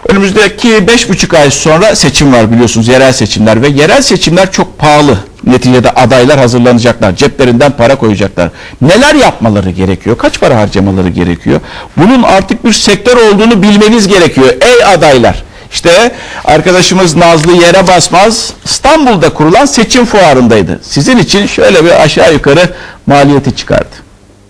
Önümüzdeki 5,5 ay sonra seçim var biliyorsunuz, yerel seçimler ve yerel seçimler çok pahalı. Neticede adaylar hazırlanacaklar, ceplerinden para koyacaklar. Neler yapmaları gerekiyor? Kaç para harcamaları gerekiyor? Bunun artık bir sektör olduğunu bilmeniz gerekiyor. Ey adaylar! İşte arkadaşımız Nazlı Yere Basmaz İstanbul'da kurulan seçim fuarındaydı. Sizin için şöyle bir aşağı yukarı maliyeti çıkardı.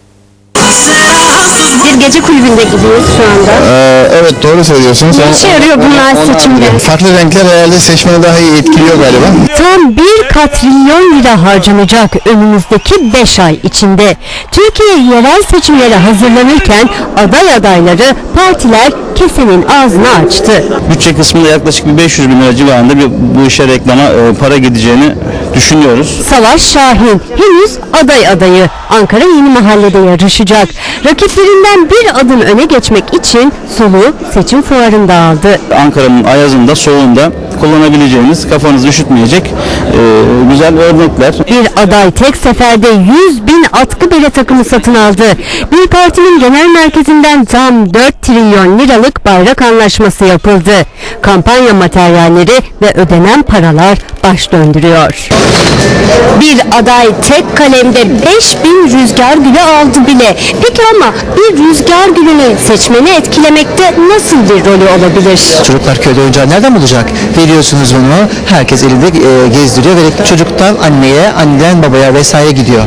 Bir gece kulübünde gidiyoruz şu anda. Evet, doğru söylüyorsunuz. Ne işe yarıyor bunlar seçimde? Farklı renkler herhalde seçmeni daha iyi etkiliyor galiba. Tam 1 katrilyon lira harcanacak önümüzdeki 5 ay içinde. Türkiye yerel seçimlere hazırlanırken aday adayları, partiler kesenin ağzını açtı. Bütçe kısmında yaklaşık bir 500 bin lira civarında bu işe reklama para gideceğini düşünüyoruz. Savaş Şahin henüz aday adayı. Ankara Yeni Mahalle'de yarışacak. Rakiplerinden bir adım öne geçmek için soluğu seçim fuarında aldı. Ankara'nın ayazında, soğuğunda kullanabileceğiniz, kafanızı üşütmeyecek güzel örnekler. Bir aday tek seferde 100 bin atkı bere takımı satın aldı. Bir partinin genel merkezinden tam 4 trilyon liralık bayrak anlaşması yapıldı. Kampanya materyalleri ve ödenen paralar baş döndürüyor. Bir aday tek kalemde 5000 rüzgar gülü aldı bile. Peki ama bir rüzgar gülünün seçmeni etkilemekte nasıl bir rolü olabilir? Çocuklar köyde oyuncağı nereden bulacak? Veriyorsunuz bunu, herkes elinde gezdiriyor ve çocuktan anneye, anneden babaya vesaire gidiyor.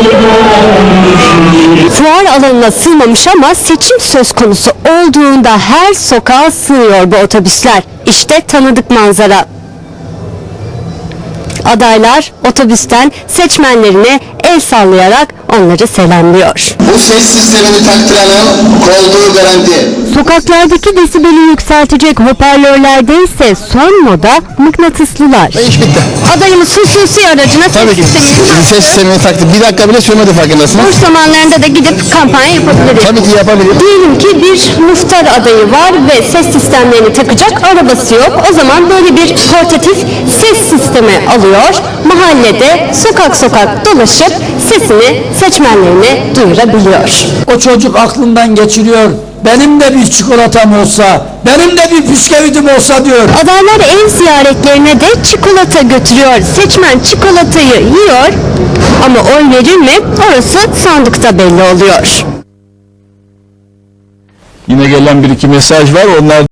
Fuar alanına sığmamış ama seçim söz konusu olduğunda her sokağa sığıyor bu otobüsler. İşte tanıdık manzara. Adaylar otobüsten seçmenlerine el sallayarak onları selamlıyor. Bu ses sistemini taktıranın olduğu garanti. Sokaklardaki desibeli yükseltecek hoparlörlerde ise son moda mıknatıslılar. İş bitti. Adayımız hususi aracına Tabii ki. Ses sistemini taktı. Bir dakika bile sürmedi, farkındasınız. boş zamanlarında da gidip kampanya yapabiliriz. Tabii ki yapabilir. Diyelim ki bir muhtar adayı var ve ses sistemlerini takacak arabası yok. O zaman böyle bir portatif ses sistemi alıyor. Mahallede sokak sokak dolaşıp sesini seçmenlerine duyurabiliyor. O çocuk aklından geçiriyor. Benim de bir çikolatam olsa, benim de bir bisküvitim olsa diyor. Adaylar ev ziyaretlerine de çikolata götürüyor. Seçmen çikolatayı yiyor ama oy verir mi? Orası sandıkta belli oluyor. Yine gelen bir iki mesaj var. Onlar